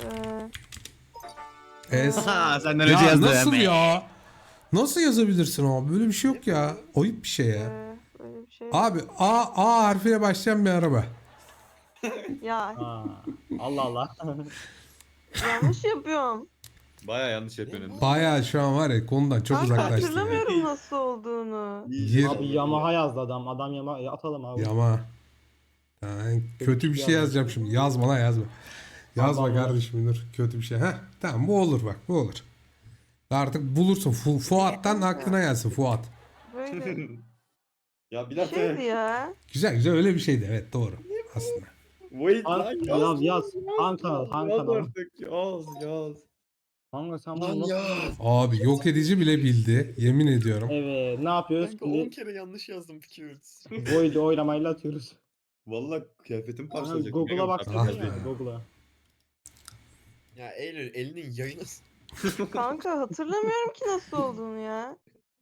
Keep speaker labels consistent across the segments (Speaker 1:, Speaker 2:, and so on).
Speaker 1: Es.
Speaker 2: Ha senden önce
Speaker 1: Ya
Speaker 2: yazdım.
Speaker 1: nasıl ya? Nasıl yazabilirsin abi? Böyle bir şey yok ya. Ayıp bir şey ya.
Speaker 3: Böyle bir şey.
Speaker 1: Abi A harfiyle başlayan bir araba.
Speaker 3: Ya
Speaker 4: Ha. Allah Allah.
Speaker 3: yanlış yapıyorum.
Speaker 2: Baya yanlış yapıyorsun.
Speaker 1: Bayağı şu an var ya konudan çok
Speaker 3: Kanka
Speaker 1: uzaklaştı ya.
Speaker 3: hatırlamıyorum nasıl olduğunu.
Speaker 4: Abi Yamaha yazdı adam. Adam Yamaha atalım abi.
Speaker 1: Yama. Yani kötü bir şey yazacağım şimdi. Yazma lan yazma. Yazma
Speaker 4: Tamam,
Speaker 1: kardeşim dur. Kötü bir şey. Heh, tamam bu olur bak bu olur. Artık bulursun. Fuat'tan aklına gelsin Fuat.
Speaker 3: Böyle
Speaker 2: Ya bir
Speaker 3: bir şeydi ya.
Speaker 1: Güzel güzel öyle bir şeydi evet doğru aslında.
Speaker 2: Wait
Speaker 4: Yaz. Han kanal. Han kanal.
Speaker 2: artık yaz.
Speaker 4: Kanka sen bunu nasıl...
Speaker 1: Abi yok edici bile bildi. Yemin ediyorum.
Speaker 4: Evet ne yapıyoruz?
Speaker 2: Kanka 10
Speaker 4: Şimdi
Speaker 2: kere yanlış yazdım Fikir.
Speaker 4: Void oylamayla atıyoruz.
Speaker 2: Valla kıyafetim
Speaker 4: Kanka
Speaker 2: parçalayacak.
Speaker 4: Google'a baksana
Speaker 1: Ah
Speaker 4: ya.
Speaker 1: be.
Speaker 4: Google'a.
Speaker 5: Ya Eylül elinin yayını
Speaker 3: Kanka hatırlamıyorum ki nasıl olduğunu ya.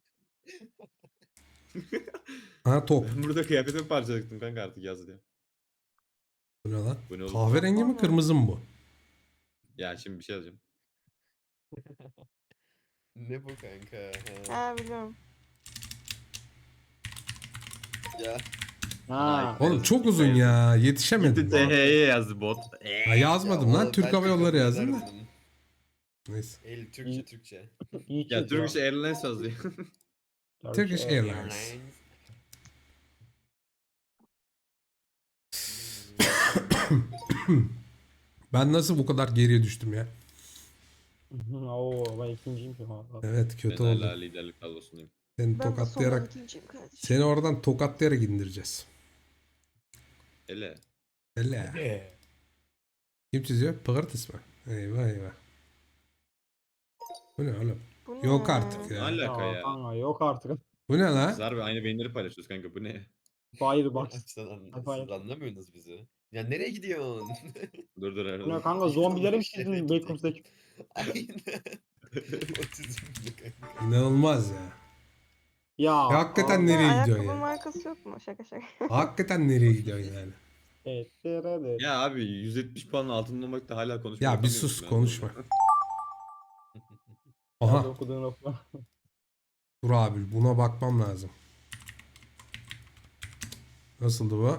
Speaker 1: Ha top.
Speaker 2: Ben burada kıyafetimi parçalayacaktım kanka artık yaz diye.
Speaker 1: Bu ne lan?
Speaker 2: Bu ne oğlum?
Speaker 1: Kahverengi mi kırmızı mı bu?
Speaker 2: Ya şimdi bir şey yazacağım.
Speaker 5: ne bu kanka?
Speaker 3: Ha biliyorum.
Speaker 5: Ya
Speaker 4: Ha.
Speaker 1: Oğlum çok uzun ya. Yetişemedim.
Speaker 2: Gitti TH'ye yazdı bot.
Speaker 1: Ha, yazmadım
Speaker 5: ya
Speaker 1: lan.
Speaker 5: oğlum,
Speaker 1: Türk
Speaker 5: ben
Speaker 1: Hava Yolları
Speaker 5: kabul
Speaker 1: yazdım da.
Speaker 5: ederdim.
Speaker 1: Neyse.
Speaker 5: Eylül Türkçe.
Speaker 4: İyi
Speaker 2: Ya
Speaker 4: çiz
Speaker 2: Turkish Airlines yazıyor.
Speaker 1: Turkish Airlines. Ben nasıl bu kadar geriye düştüm ya?
Speaker 4: Oo ben ikinciyim şu an.
Speaker 1: Evet kötü
Speaker 2: Ben
Speaker 1: oldu.
Speaker 2: hala liderlik kadrosundayım.
Speaker 1: Seni
Speaker 3: Ben de sondan
Speaker 1: tokatlayarak
Speaker 3: ikinciyim kardeşim.
Speaker 1: seni oradan tokatlayarak indireceğiz.
Speaker 2: Hele.
Speaker 1: Hele. Kim çiziyor? Pıgırtıs mı? Eyvah eyvah. Bu ne oğlum?
Speaker 3: Bu ne?
Speaker 1: Yok artık
Speaker 2: Ne
Speaker 1: ya.
Speaker 2: alaka ya?
Speaker 4: Kanka yok artık.
Speaker 1: Bu ne
Speaker 2: Biz
Speaker 1: lan?
Speaker 2: harbi aynı beyinleri paylaşıyoruz kanka bu ne?
Speaker 4: Firebox.
Speaker 5: Siz anlamıyorsunuz bizi. Ya nereye gidiyorsun?
Speaker 2: Dur
Speaker 4: Bu ne
Speaker 2: herhalde.
Speaker 4: kanka zombileri mi çizdin Backrooms'daki?
Speaker 5: Aynen. Otizmli kanka.
Speaker 1: İnanılmaz ya.
Speaker 4: Ya.
Speaker 1: Ya hakikaten
Speaker 4: abi.
Speaker 1: nereye
Speaker 3: Ayakkabı
Speaker 1: gidiyorsun ya?
Speaker 3: markası yok mu? Şaka şaka.
Speaker 1: Hakikaten nereye gidiyorsun yani?
Speaker 4: Evet. Evet.
Speaker 2: Ya abi 170 puanın altında olmakta hala konuşmuyor.
Speaker 1: Ya bir sus konuşma. Aha
Speaker 4: Nerede okuduğun okuma.
Speaker 1: dur abi buna bakmam lazım. Nasıldı bu?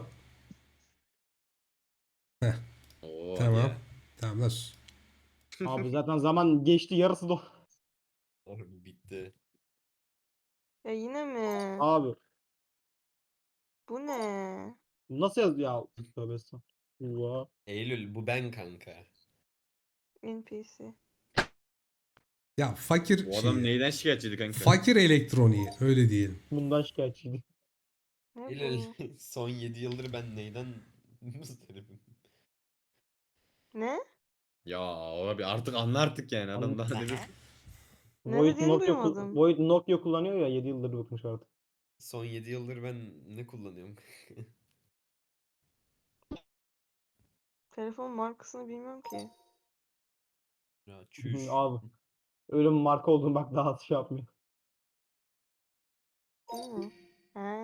Speaker 2: Oo,
Speaker 1: Tamam.
Speaker 2: ya.
Speaker 1: Tamam nasıl?
Speaker 4: Abi zaten zaman geçti yarısı da.
Speaker 5: Oğlum bitti.
Speaker 3: Ya yine mi?
Speaker 4: Abi
Speaker 3: Bu ne?
Speaker 4: nasıl yaz ya? Tövbe estağfurullah.
Speaker 5: Eylül bu ben kanka.
Speaker 3: NPC.
Speaker 1: Ya fakir
Speaker 2: Bu adam
Speaker 1: şey.
Speaker 2: neyden şikayetçiydi kanka?
Speaker 1: Fakir elektroniği öyle diyelim.
Speaker 4: Bundan şikayetçiydi.
Speaker 3: Ne
Speaker 5: Eylül
Speaker 3: bu?
Speaker 5: son 7 yıldır ben neyden muzdaribim?
Speaker 3: Ne?
Speaker 2: Ya abi artık anla artık yani adam daha ne desin?
Speaker 3: Ne
Speaker 4: Void
Speaker 3: dediğini
Speaker 4: Nokia,
Speaker 3: duymadım.
Speaker 4: Void Nokia kullanıyor ya 7 yıldır bıkmış artık.
Speaker 5: Son 7 yıldır ben ne kullanıyorum?
Speaker 3: Telefon markasını bilmiyorum ki.
Speaker 5: Ya çüş.
Speaker 4: Abi öyle bir marka olduğunu bak daha şey yapmıyor.
Speaker 3: Bu mu? Ha.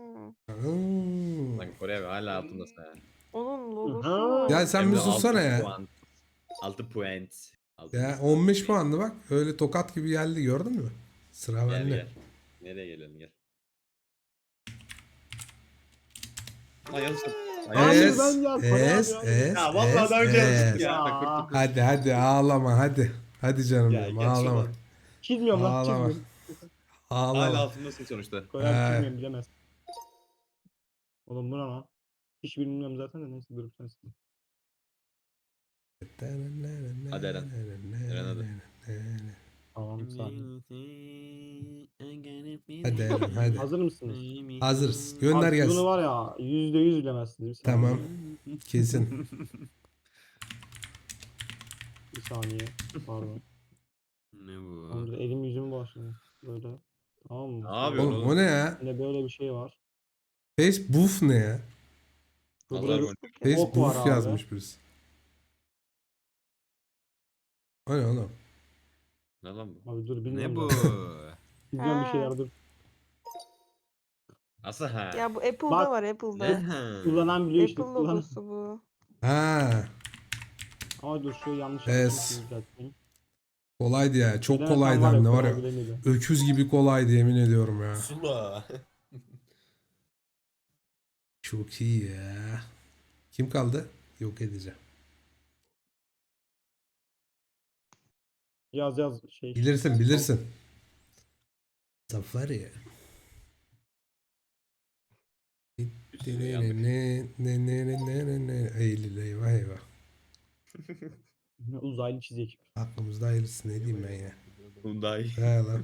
Speaker 1: Hmm.
Speaker 2: Lan Kore abi hala altındasın yani.
Speaker 3: Onun logosu
Speaker 4: Aha.
Speaker 3: var.
Speaker 1: Ya sen
Speaker 2: Hem
Speaker 1: bir
Speaker 2: de
Speaker 1: sussana
Speaker 2: 6
Speaker 1: ya.
Speaker 2: puan. 6 puan.
Speaker 1: Ya 15 puandı bak. Öyle tokat gibi geldi gördün mü? Sıra
Speaker 2: Gel
Speaker 1: bende.
Speaker 2: gel. Nereye gelelim gel. Lan yanlış yaptım.
Speaker 4: Hayır,
Speaker 1: Es,
Speaker 4: ben ya, Kore
Speaker 1: es,
Speaker 4: abi.
Speaker 1: es,
Speaker 2: Ya vallahi daha önce
Speaker 1: es,
Speaker 2: yanlıştı
Speaker 1: es.
Speaker 2: ya.
Speaker 4: Ya.
Speaker 1: Hadi hadi ağlama hadi. Hadi canım
Speaker 5: Ya
Speaker 1: benim
Speaker 5: geç
Speaker 1: ağlama.
Speaker 5: ulan.
Speaker 4: Çizmiyorum lan
Speaker 1: Ağlama.
Speaker 4: çizmiyorum.
Speaker 2: Hala
Speaker 1: Ağlama.
Speaker 2: altındasın sonuçta.
Speaker 4: Kore abi
Speaker 1: He.
Speaker 4: çizmiyorum bilemez. Oğlum bu ne lan? Hiç bilmiyorum zaten de neyse durup sensin.
Speaker 2: Hadi Eren. Eren hadi.
Speaker 4: Tamam bir saniye.
Speaker 1: Hadi Eren hadi.
Speaker 4: Hazır mısınız?
Speaker 1: Hazırız. Gönder
Speaker 4: Abi bunu
Speaker 1: gelsin.
Speaker 4: var ya %100 bilemezsiniz. Bir saniye.
Speaker 1: Tamam. Kesin.
Speaker 4: Bir saniye. Pardon.
Speaker 2: Ne bu?
Speaker 4: Tamam, elim yüzümü başladı. Böyle. Tamam mı?
Speaker 2: Ne yapıyorsun
Speaker 1: Oğlum o ne ya?
Speaker 4: Yine böyle bir şey var.
Speaker 1: Facebook ne ya?
Speaker 4: Burada
Speaker 2: Allah
Speaker 4: bir
Speaker 2: korusun.
Speaker 4: ok var
Speaker 1: Facebook
Speaker 4: abi.
Speaker 1: yazmış birisi. O ne oğlum?
Speaker 2: Ne lan bu?
Speaker 4: Abi dur
Speaker 2: Ne
Speaker 4: bilmiyorum.
Speaker 2: bu?
Speaker 4: da. Bilmiyorum bir
Speaker 3: Ha.
Speaker 4: şeyler dur.
Speaker 2: Nasıl ha?
Speaker 3: Ya bu Apple'da
Speaker 4: Bak,
Speaker 3: var
Speaker 2: Ne
Speaker 3: Apple'da.
Speaker 2: ha?
Speaker 4: Kullanan biliyor işte.
Speaker 3: Apple
Speaker 4: Kullanan.
Speaker 3: logosu bu.
Speaker 1: Ha.
Speaker 4: Ama dur şu yanlış
Speaker 1: Es.
Speaker 4: yapmışım düzelteyim.
Speaker 1: Kolaydı ya. Çok
Speaker 4: Bilemesem
Speaker 1: kolaydı
Speaker 4: var ya,
Speaker 1: hem de var
Speaker 4: kolay
Speaker 1: ya.
Speaker 4: bilemiyordum.
Speaker 1: Öküz gibi kolaydı yemin ediyorum ya.
Speaker 5: Sula.
Speaker 1: Çok iyi ya. Kim kaldı? Yok edeceğim.
Speaker 4: Yaz şey.
Speaker 1: Bilirsin bilirsin. Safari.
Speaker 2: Bir sürü yandık.
Speaker 1: Eylül eyvah eyvah.
Speaker 4: Uzaylı çizecek.
Speaker 1: Aklımızda hayırlısı ne diyeyim ben ya.
Speaker 2: Hyundai.
Speaker 1: He lan.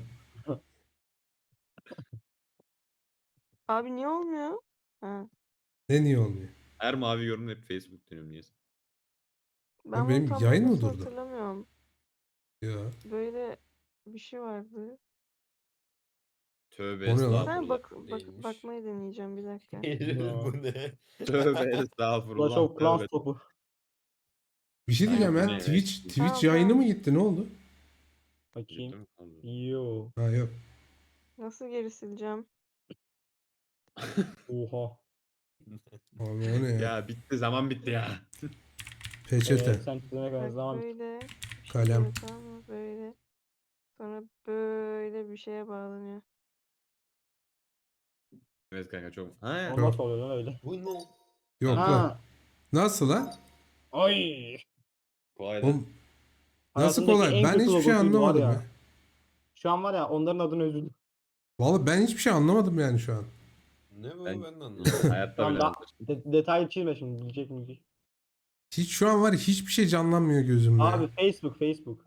Speaker 3: Abi niye olmuyor? Ha.
Speaker 1: Ne niye olmuyor?
Speaker 2: Her mavi yorum hep Facebook dönüyorum niyeyse.
Speaker 3: Ben
Speaker 1: Abi
Speaker 3: bunu
Speaker 1: benim
Speaker 3: tam
Speaker 1: yayın mı
Speaker 3: nasıl
Speaker 1: durdu?
Speaker 3: hatırlamıyorum.
Speaker 1: Ya.
Speaker 3: Böyle bir şey vardı.
Speaker 2: Tövbe
Speaker 1: O ne lan?
Speaker 3: Ben
Speaker 2: estağfurullah.
Speaker 5: Değilmiş.
Speaker 3: bakmayı deneyeceğim bir dakika.
Speaker 5: Bu ne?
Speaker 2: Tövbe
Speaker 4: Clash
Speaker 2: estağfurullah.
Speaker 4: of Clans
Speaker 2: Tövbe.
Speaker 4: topu.
Speaker 1: Bir şey diyeceğim
Speaker 2: Aynen,
Speaker 1: ya.
Speaker 2: evet.
Speaker 1: Twitch
Speaker 3: Tamam,
Speaker 1: yayını
Speaker 3: tamam.
Speaker 1: mı gitti? Ne oldu?
Speaker 4: Bakayım.
Speaker 2: Bildim.
Speaker 4: Yo.
Speaker 1: Ha yok.
Speaker 3: Nasıl geri sileceğim?
Speaker 4: Oha.
Speaker 1: Abi o ne ya?
Speaker 2: Ya bitti zaman bitti ya.
Speaker 1: Peçete.
Speaker 4: Sen çizene kadar
Speaker 3: Bak
Speaker 4: zaman
Speaker 3: böyle bir şey
Speaker 1: Kalem.
Speaker 3: geliyor, tamam mı? Böyle. Sonra böyle bir şeye bağlanıyor.
Speaker 2: Evet kanka çok. Ha.
Speaker 4: o nasıl oluyor lan öyle?
Speaker 5: Bu ne?
Speaker 1: Yok lan.
Speaker 4: Ha.
Speaker 1: Nasıl lan?
Speaker 4: Ay.
Speaker 2: Kolay da.
Speaker 1: Oğlum, nasıl
Speaker 4: Hayatımdaki
Speaker 1: kolay?
Speaker 4: en
Speaker 1: Ben
Speaker 4: kötü
Speaker 1: hiçbir şey
Speaker 4: logosuydu var
Speaker 1: anlamadım ya.
Speaker 4: Şu an var ya onların adını üzüldüm.
Speaker 1: Vallahi ben hiçbir şey anlamadım yani şu an.
Speaker 5: Ne bu?
Speaker 2: Ben-
Speaker 5: Ben de anlamadım.
Speaker 2: Hayatta
Speaker 4: Tamam,
Speaker 2: bilemem.
Speaker 4: detaylı çizme şimdi bilecek mi?
Speaker 1: Hiç şu an var ya hiçbir şey canlanmıyor gözümde
Speaker 4: Abi
Speaker 1: ya.
Speaker 4: Facebook.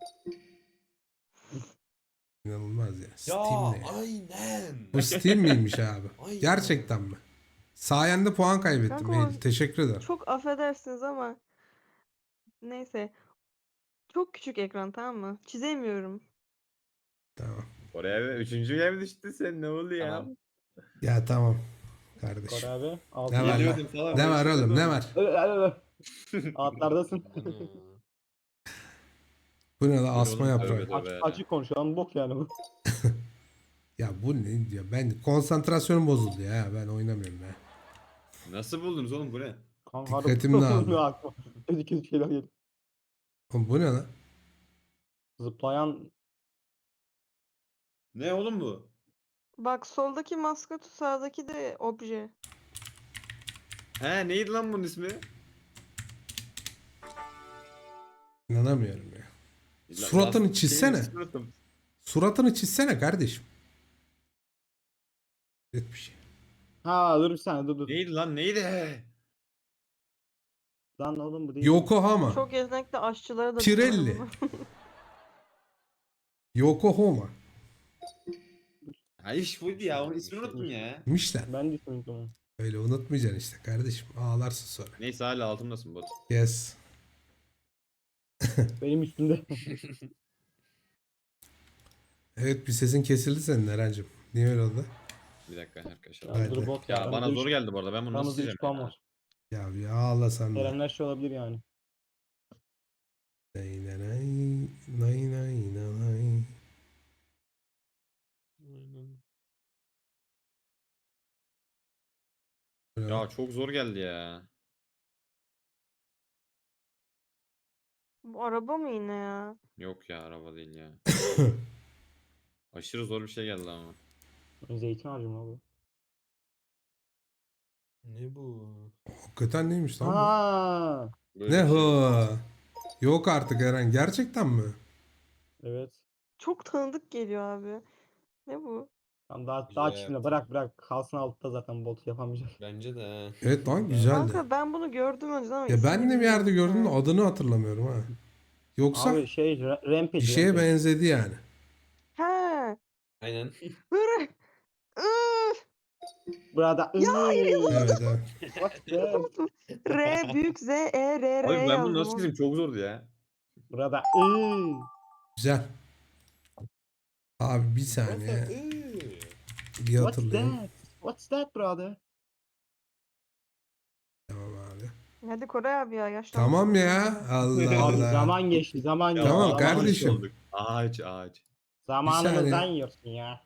Speaker 1: İnanılmaz ya.
Speaker 5: Ya
Speaker 1: Steam ne ya?
Speaker 5: aynen.
Speaker 1: Bu Steam miymiş abi?
Speaker 5: Aynen.
Speaker 1: Gerçekten mi? Sayende puan kaybettim.
Speaker 3: Kanka o-
Speaker 1: Eylül. Teşekkür ederim.
Speaker 3: Çok affedersiniz ama neyse. Çok küçük ekran, tamam mı? Çizemiyorum.
Speaker 1: Tamam.
Speaker 2: Oraya ve üçüncüye mi düştün sen? Ne oldu ya?
Speaker 5: Tamam.
Speaker 1: Ya tamam.
Speaker 4: Kore
Speaker 1: Kardeşim.
Speaker 4: abi. Altı
Speaker 1: Ne var lan?
Speaker 2: Geliyordum falan,
Speaker 1: Ne
Speaker 2: ben
Speaker 1: var oğlum? Ne
Speaker 2: çıkıyordum.
Speaker 1: var?
Speaker 4: Altlardasın.
Speaker 5: Ana.
Speaker 1: Bu ne la?
Speaker 2: Bu ne
Speaker 1: Asma
Speaker 2: oğlum?
Speaker 1: yaprağı.
Speaker 2: Tövbe tövbe.
Speaker 4: Açık konuşulan bok yani bu.
Speaker 1: Ya bu ne diyor? Ben konsantrasyonum bozuldu ya. Ben oynamıyorum ya.
Speaker 2: Nasıl buldunuz oğlum bu ne?
Speaker 4: Kanka
Speaker 1: Dikkatim dağıldı.
Speaker 4: aklıma. Kötü şeyler geliyor.
Speaker 1: Oğlum bu ne lan?
Speaker 4: Zıplayan
Speaker 2: Ne oğlum bu?
Speaker 3: Bak soldaki maskot, sağdaki de obje.
Speaker 2: He neydi lan bunun ismi?
Speaker 1: İnanamıyorum ya.
Speaker 2: La-
Speaker 1: Suratını
Speaker 2: last-
Speaker 1: çizsene.
Speaker 2: suratım.
Speaker 1: Suratını çizsene kardeşim. Evet bir şey.
Speaker 4: Ha dur bir saniye dur.
Speaker 2: Neydi lan neydi?
Speaker 4: Lan oğlum bu değil.
Speaker 1: Yokohama.
Speaker 3: Çok yetenekli aşçılara da
Speaker 1: Pirelli.
Speaker 3: bilmiyorum bunu.
Speaker 1: Yokohama.
Speaker 2: Ha iş buydu ya onun ismini unuttum ya.
Speaker 1: Miş lan.
Speaker 4: Ben de ismini unuttum.
Speaker 1: Öyle unutmayacaksın işte kardeşim. Ağlarsın sonra.
Speaker 2: Neyse hala altımdasın bot.
Speaker 1: Yes.
Speaker 4: Benim üstümde.
Speaker 1: Evet bir sesin kesildi senin Eren'cim. Niye öyle oldu?
Speaker 2: Bir dakika arkadaşlar.
Speaker 1: Haydi.
Speaker 4: Dur bot
Speaker 2: Ya bana zor geldi bu arada, ben bunu nasıl
Speaker 4: Aramızda 3
Speaker 2: sileceğim
Speaker 4: puan
Speaker 2: ya?
Speaker 4: var.
Speaker 1: Ya bir ağla sen de.
Speaker 4: Erenler şey olabilir yani.
Speaker 1: Nay nay nay, nay nay nay. Böyle
Speaker 2: Ya çok zor geldi ya.
Speaker 3: Bu araba mı yine ya?
Speaker 2: Yok ya araba değil ya. Aşırı zor bir şey geldi ama.
Speaker 4: Zeytin ağacı mı abi?
Speaker 5: Ne bu?
Speaker 1: Hakikaten neymiş lan bu?
Speaker 4: Ha,
Speaker 2: Böyle
Speaker 1: Ne
Speaker 2: bir şey.
Speaker 1: hı? Yok artık Eren gerçekten mi?
Speaker 4: evet.
Speaker 3: Çok tanıdık geliyor abi. Ne bu?
Speaker 4: Tamam daha
Speaker 5: Güzel
Speaker 4: çizme
Speaker 5: yaptın.
Speaker 4: bırak kalsın altta zaten bot yapamayacak.
Speaker 5: Bence de ha.
Speaker 1: Evet lan güzeldi.
Speaker 3: Kanka ben bunu gördüm önceden ama
Speaker 1: Ya ben
Speaker 3: ismini
Speaker 1: de bir yerde
Speaker 3: bilmiyorum.
Speaker 1: gördüm de
Speaker 3: Ha.
Speaker 1: adını hatırlamıyorum ha. Yoksa
Speaker 4: Abi şey Rampage.
Speaker 1: bir şeye
Speaker 4: Rampage.
Speaker 1: benzedi yani.
Speaker 3: He.
Speaker 5: Aynen.
Speaker 3: Hırı. Iıı.
Speaker 4: Burada
Speaker 1: Evet evet.
Speaker 4: What the?
Speaker 3: R büyük Z E R R
Speaker 2: Abi ben bunu
Speaker 3: yazdım.
Speaker 2: nasıl çizeyim, çok zordu ya.
Speaker 4: Burada
Speaker 1: Güzel. Abi bir
Speaker 5: What the-
Speaker 1: saniye
Speaker 5: Iıı.
Speaker 1: bir
Speaker 4: What's
Speaker 1: hatırlayayım.
Speaker 4: that? What's that brother?
Speaker 1: Tamam abi.
Speaker 3: Hadi Koray abi ya yaşlandık.
Speaker 1: Tamam ya. Allah
Speaker 4: Abi
Speaker 1: Allah.
Speaker 4: zaman geçti zaman geçti.
Speaker 1: Tamam
Speaker 4: zaman
Speaker 1: kardeşim.
Speaker 4: geçti.
Speaker 2: Ağaç ağaç.
Speaker 4: Zamanımızdan
Speaker 1: saniye.
Speaker 4: yiyorsun ya.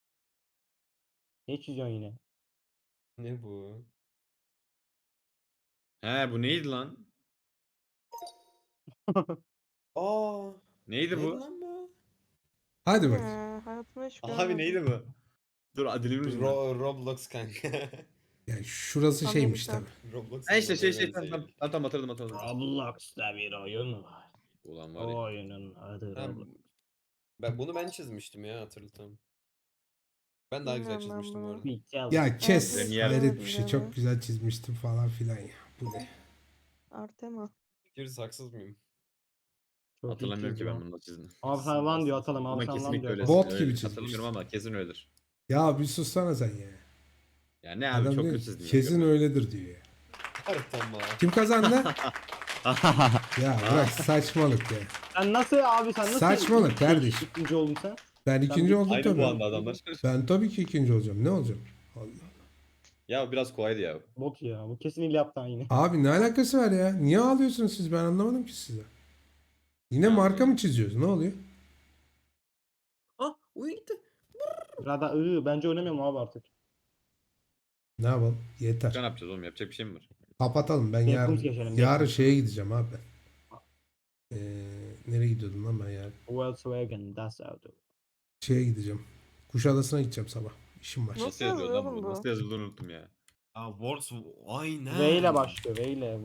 Speaker 4: Ne çiziyorsun yine?
Speaker 5: Ne bu?
Speaker 2: He bu neydi lan?
Speaker 5: Aa.
Speaker 2: Neydi
Speaker 5: Neydi
Speaker 2: bu?
Speaker 5: lan bu?
Speaker 1: Hadi bak.
Speaker 3: Hayatımda hiç
Speaker 2: Abi
Speaker 3: görmedim.
Speaker 2: neydi bu? Dur dilimin ucunda.
Speaker 5: Roblox kanka.
Speaker 1: Yani şurası şeymiş
Speaker 3: Amerika.
Speaker 1: tabii.
Speaker 5: Roblox
Speaker 2: Ha işte
Speaker 5: olmadı,
Speaker 2: şey
Speaker 5: eğlenceli.
Speaker 2: tamam hatırladım.
Speaker 4: Roblox'ta bir oyun var.
Speaker 2: Ulan var ya.
Speaker 4: O oyunun adı
Speaker 5: Ha,
Speaker 4: Roblox.
Speaker 5: bunu ben çizmiştim ya, hatırladım. Ben daha güzel
Speaker 3: Bilmiyorum ben
Speaker 5: çizmiştim bu
Speaker 3: bunu.
Speaker 5: arada.
Speaker 4: Bir gel.
Speaker 1: Ya kes.
Speaker 3: Hayatımda hiç
Speaker 2: Premier.
Speaker 1: Hayret bir
Speaker 3: görmedim
Speaker 1: şey.
Speaker 3: ben
Speaker 1: Çok
Speaker 3: bunu.
Speaker 1: güzel çizmiştim falan filan ya. Bu ne?
Speaker 3: Artema.
Speaker 5: Fikiriz, haksız mıyım?
Speaker 4: Çok iyi
Speaker 2: Hatırlamıyorum ki
Speaker 4: çizdi
Speaker 2: ben
Speaker 4: lan.
Speaker 2: bunu nasıl çizdim.
Speaker 4: Abi sen lan diyor atalım. Abi
Speaker 2: Ama
Speaker 4: sen lan
Speaker 2: kesinlikle
Speaker 4: diyor
Speaker 2: öyle.
Speaker 4: atalım.
Speaker 1: Bot gibi
Speaker 2: öyle.
Speaker 1: çizmiş.
Speaker 2: Hatırlamıyorum ama kesin öyledir.
Speaker 1: Ya bir sussana sen ya.
Speaker 2: Ya ne abi
Speaker 1: Adam
Speaker 2: çok
Speaker 1: diyor
Speaker 2: kötü
Speaker 1: ki,
Speaker 2: çizdim. ya,
Speaker 1: kesin
Speaker 2: görmedim.
Speaker 1: öyledir diyor ya.
Speaker 5: Artama.
Speaker 1: Kim kazandı? Ya bırak saçmalık ya.
Speaker 4: Sen nasıl abi sen nasıl
Speaker 1: Saçmalık kardeşim.
Speaker 4: ikinci oldun sen?
Speaker 1: Ben ikinci
Speaker 4: bir-
Speaker 1: oldum
Speaker 2: Aynı
Speaker 1: tabii.
Speaker 2: puanda adamlar.
Speaker 1: Ben tabii ki ikinci olacağım. Ne olacağım? Allah.
Speaker 2: Ya biraz kolaydı ya.
Speaker 4: Bot ya. Bu kesin yaptan yine.
Speaker 1: Abi ne alakası var ya? Niye ağlıyorsunuz siz? Ben anlamadım ki size. Yine marka mı çiziyoruz? Ne oluyor?
Speaker 5: Ah, oyun gitti.
Speaker 4: Rada bence oynamıyorum abi artık.
Speaker 1: Ne yapalım?
Speaker 2: Ne
Speaker 1: Yeter.
Speaker 2: yapacağız oğlum? Yapacak bir şey mi var?
Speaker 1: Kapatalım. Ben
Speaker 4: Backrooms geçelim,
Speaker 1: yarın
Speaker 4: backrooms.
Speaker 1: şeye gideceğim abi ben. Nereye gidiyordum lan ben yarın?
Speaker 4: Volkswagen Das Auto.
Speaker 1: Şeye gideceğim. Kuşadası'na gideceğim sabah. İşim var.
Speaker 3: Nasıl
Speaker 2: yazıyor
Speaker 3: yazılıyor
Speaker 2: lan
Speaker 3: oğlum bu?
Speaker 2: Nasıl yazıldığını unuttum ya.
Speaker 5: Aa, Wars, aynen.
Speaker 4: V ile başlıyor. V ile.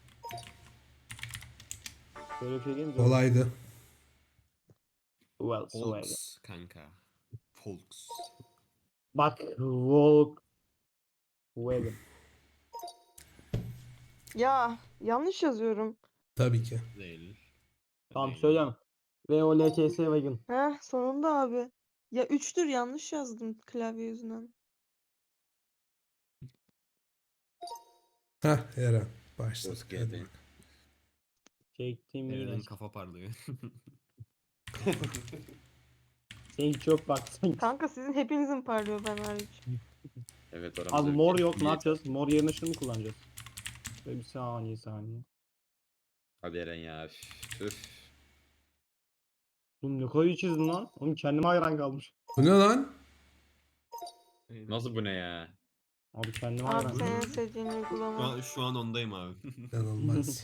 Speaker 4: Böyle bir şey değil mi?
Speaker 1: Kolaydı.
Speaker 4: Volkswagen.
Speaker 5: Volks kanka. Volks.
Speaker 4: Bak Volkswagen.
Speaker 3: Ya yanlış yazıyorum.
Speaker 1: Tabii ki.
Speaker 5: Değil.
Speaker 4: Tamam
Speaker 5: Değil.
Speaker 4: söyleyeyim. VOLKS Wagon.
Speaker 3: Heh sonunda abi. Ya 3'tür yanlış yazdım klavye yüzünden.
Speaker 1: Hah Eren. Başladık.
Speaker 2: Hoş
Speaker 1: Hadi
Speaker 2: geldin.
Speaker 1: bak.
Speaker 4: Çektim yine.
Speaker 5: Eren'in kafa parlıyor.
Speaker 4: Sen çok bak sen.
Speaker 3: Kanka sizin hepinizin parlıyor ben hariç.
Speaker 2: Evet aramızda.
Speaker 4: Abi
Speaker 2: bir
Speaker 4: mor
Speaker 2: şey-
Speaker 4: yok ne
Speaker 2: bir-
Speaker 4: yapacağız? Mor yerine şunu mu kullanacağız? Şöyle bir saniye.
Speaker 2: Hadi Eren ya. Üf.
Speaker 4: Oğlum ne kadar iyi çizdin lan. Oğlum kendime hayran kalmış.
Speaker 1: Bu ne lan?
Speaker 2: Nasıl bu ne ya?
Speaker 4: Abi kendime
Speaker 3: Abi
Speaker 4: hayran.
Speaker 3: senin sevdiğin uygulama.
Speaker 5: Şu an ondayım abi.
Speaker 1: İnanılmaz.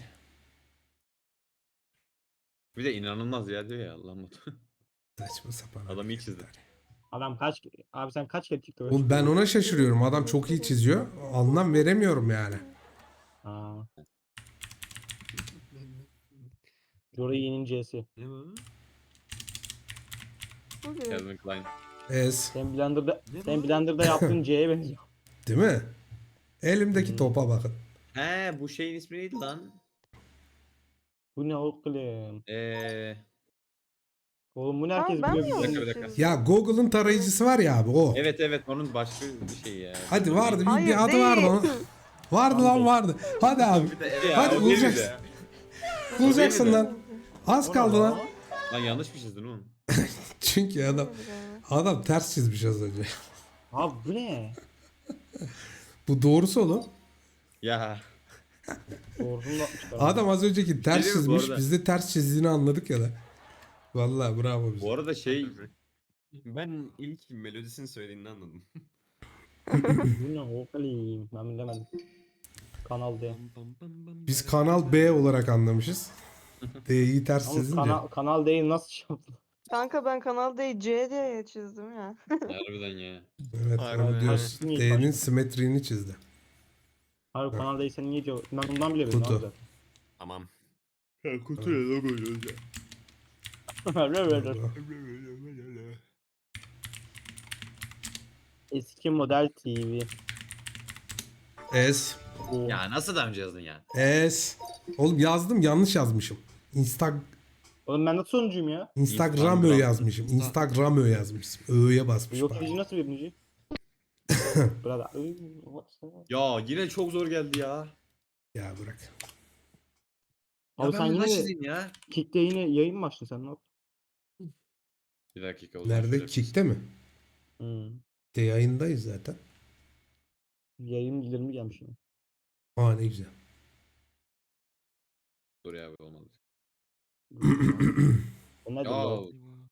Speaker 2: Bir de inanılmaz ya diyor ya Allah'ım.
Speaker 1: Saçma sapan.
Speaker 2: Adam iyi çizdi.
Speaker 4: Adam abi sen kaç kere TikTok'a
Speaker 1: Oğlum ben
Speaker 4: çıkıyorsun?
Speaker 1: ona şaşırıyorum. Adam çok iyi çiziyor. Anlam veremiyorum yani.
Speaker 4: Aa. Jory Yin'in C'si.
Speaker 5: Ne bu?
Speaker 3: Bu bir.
Speaker 2: Calvin Klein.
Speaker 1: Ez.
Speaker 4: Sen Blender'da yaptığın C'ye benziyor.
Speaker 1: Değil mi? Elimdeki topa bakın.
Speaker 2: He bu şeyin ismi neydi lan?
Speaker 4: Bu ne oğlum? Oğlum bu ne herkes
Speaker 3: Ben mi
Speaker 4: biliyor
Speaker 3: yanlış
Speaker 4: bizi.
Speaker 2: Bir dakika.
Speaker 3: çizdim?
Speaker 1: Ya Google'ın tarayıcısı var ya abi o.
Speaker 2: Evet onun başka bir şey ya.
Speaker 1: Hadi vardı bir
Speaker 3: Hayır,
Speaker 1: adı vardı
Speaker 3: değil.
Speaker 1: onun. Vardı lan vardı. Hadi abi.
Speaker 2: Ya,
Speaker 1: Hadi
Speaker 2: o
Speaker 1: bulacaksın.
Speaker 2: değildi ya.
Speaker 1: Bulacaksın
Speaker 2: değildi.
Speaker 1: lan. Az kaldı lan.
Speaker 2: Lan yanlış mı çizdin oğlum?
Speaker 1: Çünkü adam ters çizmiş az önce.
Speaker 4: Abi bu ne?
Speaker 1: Bu doğrusu oğlum.
Speaker 2: Ya.
Speaker 4: Doğrusunu da atmışlar.
Speaker 1: Adam az önceki ters
Speaker 2: Değil mi bu
Speaker 1: çizmiş.
Speaker 2: arada?
Speaker 1: Biz de ters çizdiğini anladık ya da. Vallahi bravo bize.
Speaker 2: Bu arada şey
Speaker 5: Ben ilk melodisini söylediğini anladım.
Speaker 4: Bu ne oğlum? Ben bilemedim. Kanal D.
Speaker 1: Biz Kanal B olarak anlamışız. D'yi ters
Speaker 4: Ama
Speaker 1: çizince.
Speaker 4: kanal D'yi nasıl şey yaptın?
Speaker 3: Kanka ben Kanal D'yi C diye çizdim ya.
Speaker 2: harbiden ya.
Speaker 1: Evet
Speaker 5: Harbi.
Speaker 1: onu diyoruz.
Speaker 4: Harbi.
Speaker 1: D'nin simetriğini çizdi.
Speaker 4: Hayır kanal D'yi sen niye cevap? Ben ondan bile bilmiyorum
Speaker 1: Kutu.
Speaker 4: abi zaten.
Speaker 5: Tamam.
Speaker 2: Kutuya logo yazıyor.
Speaker 4: Eski model TV.
Speaker 1: S.
Speaker 2: Ya nasıl daha önce yazdın ya?
Speaker 1: S. Oğlum yazdım yanlış yazmışım.
Speaker 4: Oğlum ben nasıl sonuncuyum ya?
Speaker 1: Instagram yazmışım. Instagram yazmışım. Ö'ye basmışım.
Speaker 4: Yok edici nasıl birinci? Burada.
Speaker 2: Ya yine çok zor geldi ya.
Speaker 1: Ya bırak.
Speaker 4: Abi sen
Speaker 2: ben
Speaker 4: yine
Speaker 2: nasıl çizeyim ya?
Speaker 4: Kick'te yine yayın mı açtın sen ne yaptın?
Speaker 2: Bir dakika o zaman
Speaker 1: Nerede?
Speaker 2: şöyle-
Speaker 1: Kick'te mi? De yayındayız zaten.
Speaker 4: Yayın bildirimi gelmiş yine.
Speaker 1: Aa ne güzel.
Speaker 2: Dur ya be, olmadı.
Speaker 4: O nedir
Speaker 2: Ya
Speaker 4: ya?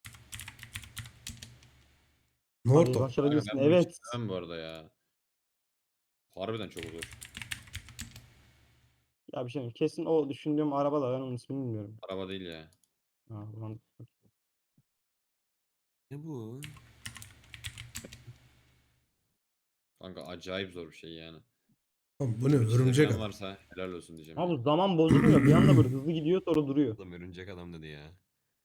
Speaker 1: Norton.
Speaker 4: Başarabilirsin.
Speaker 2: ben bunu
Speaker 4: Evet.
Speaker 2: çizemem bu arada ya. Harbiden çok zor.
Speaker 4: Ya bir şey diyeyim. Kesin o düşündüğüm araba da ben onun ismini bilmiyorum.
Speaker 2: Araba değil ya.
Speaker 4: Ha, ulan.
Speaker 6: Ne bu?
Speaker 2: Kanka acayip zor bir şey yani.
Speaker 1: Oğlum bu ne?
Speaker 2: Bunu
Speaker 1: Örümcek
Speaker 2: çizebilen
Speaker 1: adam.
Speaker 2: varsa helal olsun diyeceğim.
Speaker 4: Ha bu
Speaker 2: yani.
Speaker 4: zaman bozulmuyor. Bir anda böyle hızlı gidiyor sonra duruyor.
Speaker 6: Adam örümcek adam dedi ya.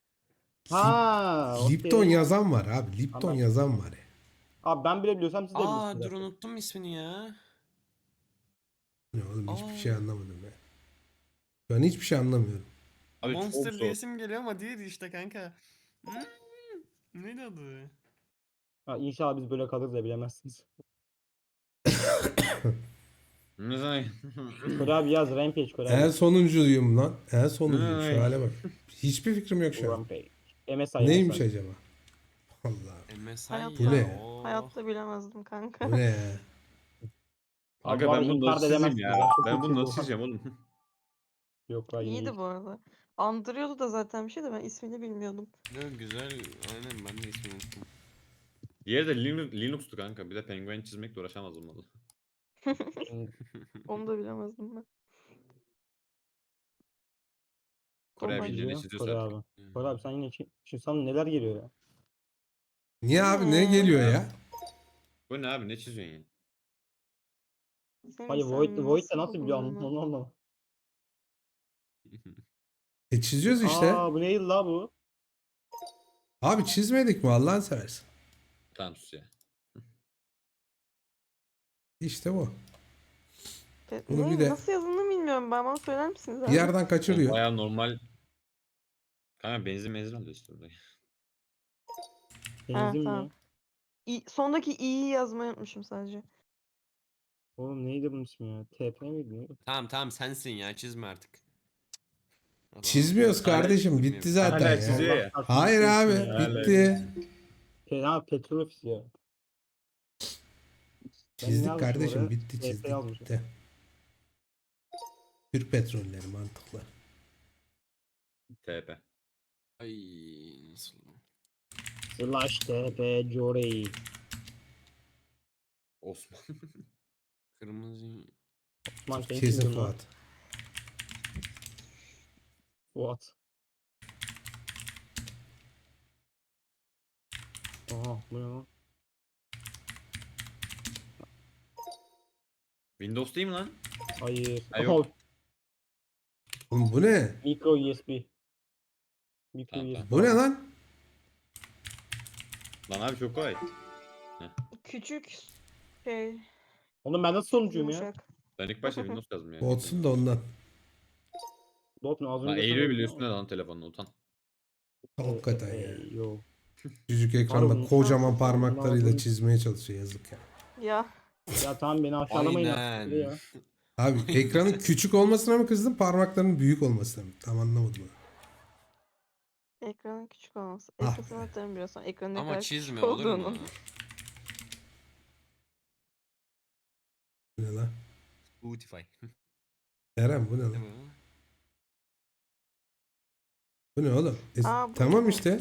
Speaker 4: Ha,
Speaker 1: Lipton
Speaker 4: okey.
Speaker 1: yazan var abi. Lipton
Speaker 4: Anladım.
Speaker 1: yazan var ya.
Speaker 4: Abi ben bile biliyorsam siz de
Speaker 6: Aa
Speaker 4: bilirsiniz.
Speaker 6: dur
Speaker 4: zaten.
Speaker 6: unuttum ismini ya.
Speaker 1: Ne oğlum hiçbir şey
Speaker 6: Aa.
Speaker 1: anlamadım ya. Ben hiçbir şey anlamıyorum.
Speaker 2: Abi
Speaker 6: Monster
Speaker 2: çok zor.
Speaker 6: diyesim geliyor ama diğeri işte kanka. Hmm, neydi adı?
Speaker 4: Ha, inşallah biz böyle kalırız da bilemezsiniz.
Speaker 2: Ne zaman?
Speaker 4: Kore abi yaz Rampage Kore
Speaker 1: En
Speaker 4: abi.
Speaker 1: sonuncuyum lan. En sonuncuyum. Şu
Speaker 2: Ay.
Speaker 1: hale bak. Hiçbir fikrim yok şu an.
Speaker 4: Rampage. MSI
Speaker 1: Neymiş
Speaker 4: MSI.
Speaker 1: acaba? Allah.
Speaker 6: MSI
Speaker 3: Hayatta,
Speaker 1: Bu ne?
Speaker 6: o.
Speaker 3: hayatta bilemezdim kanka.
Speaker 1: Bu ne ya?
Speaker 2: Kanka
Speaker 4: bu
Speaker 2: ben
Speaker 4: arada
Speaker 2: bunu
Speaker 4: inkar da
Speaker 2: nasıl çizeyim
Speaker 4: edemezsiniz
Speaker 2: ya?
Speaker 4: ya, çok
Speaker 2: Ben
Speaker 4: iyi
Speaker 2: bunu
Speaker 4: çizdi
Speaker 2: nasıl
Speaker 4: bu.
Speaker 2: çizeceğim oğlum?
Speaker 4: Yok lan yine
Speaker 3: İyiydi
Speaker 4: iyi.
Speaker 3: bu arada. Andırıyordu da zaten bir şey de ben ismini bilmiyordum.
Speaker 6: Ne güzel. Aynen ben de ismini unuttum.
Speaker 2: Diğeri de Linux'tu kanka. Bir de penguen çizmekle uğraşamazdım valla.
Speaker 3: Onu da bilemezdim ben.
Speaker 2: Kore
Speaker 3: Kolay.
Speaker 2: bildiğini
Speaker 4: Çiziyor
Speaker 2: çiziyorsa
Speaker 4: Kore
Speaker 2: artık.
Speaker 4: abi. Kore abi sen yine şimdi sana neler geliyor ya?
Speaker 1: Niye abi ne geliyor ya?
Speaker 2: Bu ne abi, ne çiziyorsun ya?
Speaker 3: Senin
Speaker 4: Hayır
Speaker 3: sen
Speaker 4: Void de nasıl
Speaker 3: buldun
Speaker 4: biliyor
Speaker 3: bunu?
Speaker 4: onu anlamadım.
Speaker 1: Çiziyoruz işte.
Speaker 4: Aa bu neydi la bu?
Speaker 1: Abi çizmedik mi Allah'ını seversen.
Speaker 2: Tamam sus ya.
Speaker 1: İşte bu. Bunu
Speaker 3: Ne,
Speaker 1: bir de-
Speaker 3: nasıl yazıldığını bilmiyorum ben. Bana söyler misiniz
Speaker 1: Bir
Speaker 3: abi?
Speaker 1: yerden
Speaker 2: Oğlum
Speaker 1: kaçırıyor.
Speaker 2: bayağı normal. Kanka benzin alıyor işte burada.
Speaker 4: Benzin
Speaker 3: tamam.
Speaker 4: mi?
Speaker 3: Sondaki i'yi yazmayı unutmuşum sadece.
Speaker 4: Oğlum neydi bunun ismi ya? TP miydi? Neydi?
Speaker 6: Tamam sensin ya çizme artık. Adam-
Speaker 1: Çizmiyoruz kardeşim. Bitti zaten
Speaker 2: Hala
Speaker 1: ya.
Speaker 2: çiziyor ya.
Speaker 4: Allah
Speaker 1: Hayır abi.
Speaker 4: kahretsin ya.
Speaker 1: Bitti.
Speaker 4: Ha petrol ofisi ya. Ben ne
Speaker 1: Çizdik
Speaker 4: yazmışım
Speaker 1: kardeşim.
Speaker 4: oraya?
Speaker 1: Bitti
Speaker 4: TP
Speaker 1: çizdik.
Speaker 4: yazmışım.
Speaker 1: Bitti. Türk petrolleri mantıklı.
Speaker 2: TP.
Speaker 6: Ay nasıl?
Speaker 4: Slash TP Jory.
Speaker 2: Osman.
Speaker 6: Kırmızı.
Speaker 4: Osman sen
Speaker 1: Kesin
Speaker 4: kimdin lan?
Speaker 1: Fuat.
Speaker 4: Fuat. Aha bu ne lan?
Speaker 2: Windows değil mi lan?
Speaker 4: Hayır.
Speaker 2: Ha, yok.
Speaker 4: Aha,
Speaker 1: Oğlum bu ne?
Speaker 4: Micro USB. Micro
Speaker 2: Tamam,
Speaker 4: USB.
Speaker 1: Bu ne lan?
Speaker 2: Lan abi çok kolay.
Speaker 3: Küçük şey
Speaker 4: Oğlum ben nasıl sonuncuyum ya?
Speaker 3: yumuşak.
Speaker 2: Ben ilk başta Windows yazdım ya.
Speaker 1: Olsun da ondan.
Speaker 4: Dot ne az
Speaker 2: Lan
Speaker 4: önce
Speaker 2: eğiliyor
Speaker 4: söyledim
Speaker 2: bile
Speaker 4: ama.
Speaker 2: üstüne lan telefonla utan.
Speaker 1: Hakikaten ya.
Speaker 4: Yo.
Speaker 1: Küçük
Speaker 4: Harbi
Speaker 1: ekranda
Speaker 4: insan
Speaker 1: kocaman
Speaker 4: sesi
Speaker 1: parmaklarıyla
Speaker 4: anlamadım.
Speaker 1: çizmeye çalışıyor yazık ya.
Speaker 3: Ya
Speaker 4: Ya tamam beni aşağılamayın
Speaker 6: Aynen.
Speaker 4: artık ya.
Speaker 1: Abi ekranın küçük olmasına mı kızdın parmaklarının büyük olmasına mı? Tam anlamadım. onu.
Speaker 3: ekranın küçük olması.
Speaker 1: Ah
Speaker 3: Ekran
Speaker 1: be.
Speaker 3: atarım biraz sonra ekranın ne
Speaker 6: Ama
Speaker 3: kadar
Speaker 6: çizme
Speaker 3: küçük
Speaker 6: olur mu?
Speaker 3: olduğunu.
Speaker 1: Bu ne lan?
Speaker 6: Spotify.
Speaker 1: Eren bu ne
Speaker 6: Ne
Speaker 1: lan?
Speaker 6: bu?
Speaker 1: Bu ne oğlum?
Speaker 3: Aa, bu
Speaker 1: Tamam
Speaker 3: ne?
Speaker 1: işte.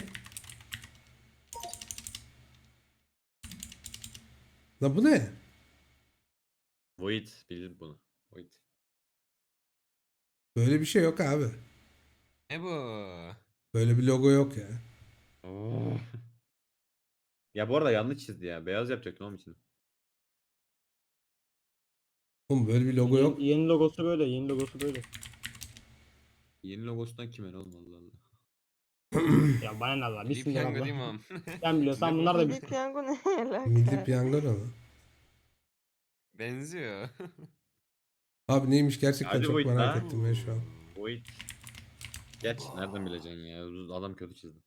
Speaker 1: Lan bu ne?
Speaker 2: Void bildim bunu. Void.
Speaker 1: Böyle bir şey yok abi.
Speaker 6: Ne bu?
Speaker 1: Böyle bir logo yok ya.
Speaker 2: Oo. Ya bu arada yanlış çizdi ya. Beyaz yapacaktım onun için.
Speaker 1: Oğlum böyle bir logo yok.
Speaker 4: Yeni logosu böyle. Yeni logosu böyle.
Speaker 2: Yeni logosundan kime ne oğlum Allah Allah.
Speaker 4: Ya bana ne Allah.
Speaker 6: Milli
Speaker 4: Bismillah
Speaker 6: piyango değil mi
Speaker 4: Allah.
Speaker 6: am?
Speaker 4: Sen biliyorsan
Speaker 6: Ne bu?
Speaker 4: bunlar da
Speaker 3: Milli
Speaker 4: bilsin.
Speaker 3: piyango ne alaka?
Speaker 1: Milli piyango ne lan?
Speaker 6: Benziyor.
Speaker 1: Abi neymiş gerçekten
Speaker 2: Hadi
Speaker 1: çok
Speaker 2: Void
Speaker 1: merak
Speaker 2: lan.
Speaker 1: ettim ben şu an.
Speaker 2: Void. Geç nereden bileceksin ya? Adam kötü çizdi.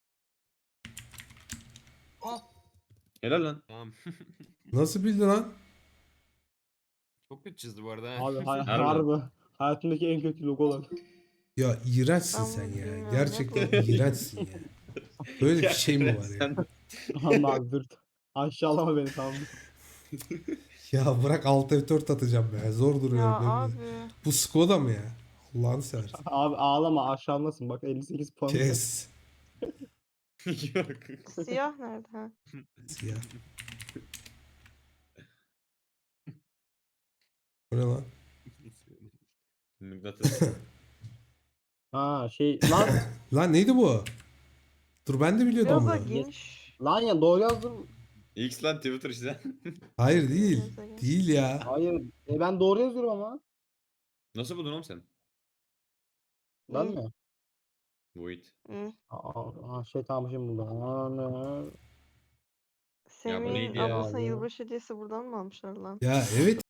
Speaker 6: Ah.
Speaker 2: Helal lan.
Speaker 6: Tamam.
Speaker 1: Nasıl bildi lan?
Speaker 6: Çok kötü çizdi bu arada.
Speaker 4: Abi
Speaker 2: Harbiden.
Speaker 4: harbi. Hayatımdaki en kötü logolar.
Speaker 1: Ya iğrençsin
Speaker 3: Ben
Speaker 1: sen
Speaker 3: bunu
Speaker 1: ya.
Speaker 3: bilmiyorum,
Speaker 1: Gerçekten
Speaker 3: ne bu?
Speaker 1: iğrençsin ya. Böyle bir şey mi var ya?
Speaker 2: Sen-
Speaker 4: Allah abi dur. Aşağılama beni tamam mı?
Speaker 1: Ya bırak alt F4 atacağım be. Zor
Speaker 3: Ya
Speaker 1: duruyorum. ben
Speaker 3: abi.
Speaker 1: de. Bu Skoda mı ya? Allah'ını seversen.
Speaker 4: Abi ağlama aşağılasın bak 58 puan.
Speaker 1: Kes.
Speaker 2: Yok.
Speaker 3: Siyah nerede ha?
Speaker 1: Siyah. Bu ne lan?
Speaker 2: Mıknatıs.
Speaker 4: Ha şey lan
Speaker 1: Lan neydi bu? Dur ben de biliyordum
Speaker 3: Biraz daha
Speaker 1: bunu.
Speaker 3: geniş.
Speaker 4: lan ya doğru yazdım.
Speaker 2: X lan Twitter işte.
Speaker 1: Hayır değil.
Speaker 3: Mesela.
Speaker 1: Değil ya.
Speaker 4: Hayır. Ben doğru yazıyorum ama.
Speaker 2: Nasıl buldun oğlum sen?
Speaker 4: Ben
Speaker 3: Hı.
Speaker 4: mi?
Speaker 2: Void.
Speaker 3: Hı.
Speaker 4: Şey tamam şimdi buldum. Ana.
Speaker 2: Ya bu
Speaker 3: Semih'in
Speaker 2: neydi ya?
Speaker 3: ablasına
Speaker 4: Abi.
Speaker 3: yılbaşı hediyesi buradan mı almışlar lan?
Speaker 1: Ya evet